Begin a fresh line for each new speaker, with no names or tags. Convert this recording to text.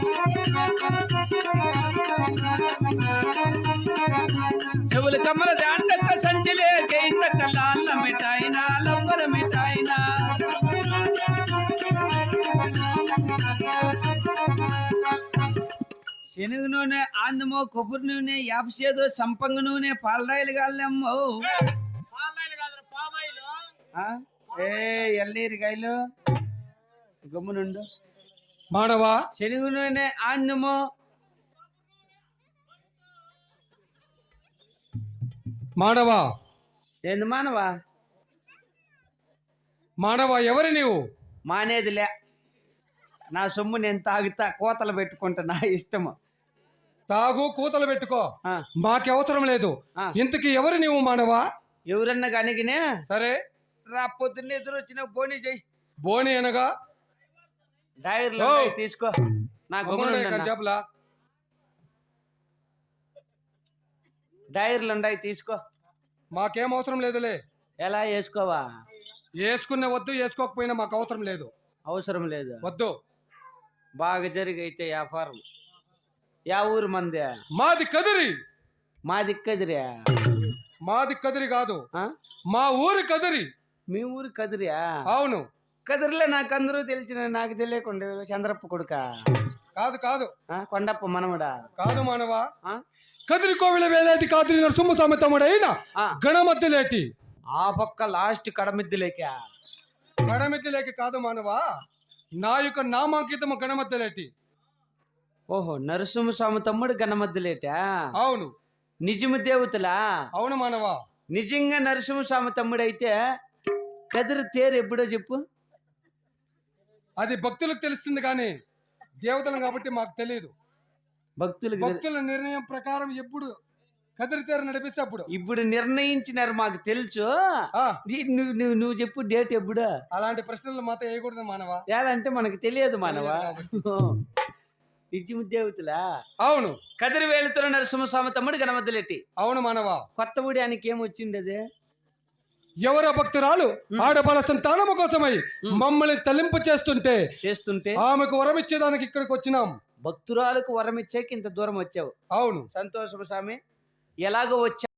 చెవులు కమ్మల దాండక సంచిలే గైత కళ్ళ మిఠాయినా లబ్బర మిఠాయినా శనగ నూనె ఆందమో కొబ్బరి నూనె యాపసేదో సంపంగ నూనె పాలరాయిలు కాళ్ళమ్మో ఏ ఎల్లీరికాయలు గమ్మునుండు
మానవా
శనగ నూనె ఆందమో
మానవా
ఏంది మానవా
మానవా ఎవరు నీవు?
మానేదిలే నా సొమ్ము నేను తాగుతా కోతలు పెట్టుకుంటా నా ఇష్టము.
తాగు కూతలు పెట్టుకో, మాకు అవసరం లేదు. ఇంతకి ఎవరు నీవు మానవా?
ఎవరన్నా కనిగినే
సరే
రా పొద్దున్న ఎదురు వచ్చిన బోని చెయ్యి.
బోని అనగా
డైర్లో తీసుకో నా
చెప్పలా
డైర్లు ఉన్నాయి తీసుకో.
మాకేం అవసరం లేదులే.
ఎలా వేసుకోవా?
వేసుకునే వద్దు, వేసుకోకపోయినా మాకు అవసరం లేదు.
అవసరం లేదు
వద్దు.
బాగా జరిగైతే వ్యాపారం. యా ఊరు మంది?
మాది కదిరి.
మాది కదిరియా?
మాది కదిరి కాదు, మా ఊరి కదిరి.
మీ ఊరు కదిరియా?
అవును.
కదిరిలో నాకు అందరూ తెలిసిన, నాకు తెలియకుండా చంద్రప్ప కొడుక?
కాదు కాదు.
కొండప్ప మనముడా?
కాదు మానవా. కదిరి కోవిల వేలేటి కాదిరి నరసింహ స్వామి తమ్ముడైన గణమద్దలేటి.
ఆ పక్క లాస్ట్ కడమిద్దులేక?
గణమిద్దలేకి కాదు మానవా, నా యొక్క నామాంకితము గణమద్దలేటి.
ఓహో, నరసింహస్వామి తమ్ముడు గణమద్దలేటా?
అవును.
నిజము దేవతలా?
అవును మానవా.
నిజంగా నరసింహస్వామి తమ్ముడు అయితే కదిరి తేరు ఎప్పుడో చెప్పు.
అది భక్తులకు తెలుస్తుంది కానీ దేవతలు కాబట్టి మాకు తెలియదు. భక్తుల నిర్ణయం ప్రకారం ఎప్పుడు కదిరి తేరు నడిపిస్తే అప్పుడు.
ఇప్పుడు నిర్ణయించినారు, మాకు తెలుసు. నువ్వు చెప్పు డేట్ ఎప్పుడు.
అలాంటి ప్రశ్నలు మాతో వేయకూడదు మానవా.
ఏదంటే మనకు తెలియదు మానవా. నిజము దేవతలా?
అవును.
కదిరి వేలుతున్న నరసింహస్వామి తమ్ముడు గణమద్దలేటి.
అవును మానవా.
కొత్త ఊడి ఆయనకి ఏమొచ్చింది? అదే
ఎవరో భక్తురాలు ఆడబల సంతానము కోసమై మమ్మల్ని తలింపు చేస్తుంటే ఆమెకు వరం ఇచ్చేదానికి ఇక్కడికి వచ్చినాం.
భక్తురాలకు వరం ఇచ్చాక ఇంత దూరం వచ్చావు.
అవును.
సంతోషము స్వామి. ఎలాగో వచ్చా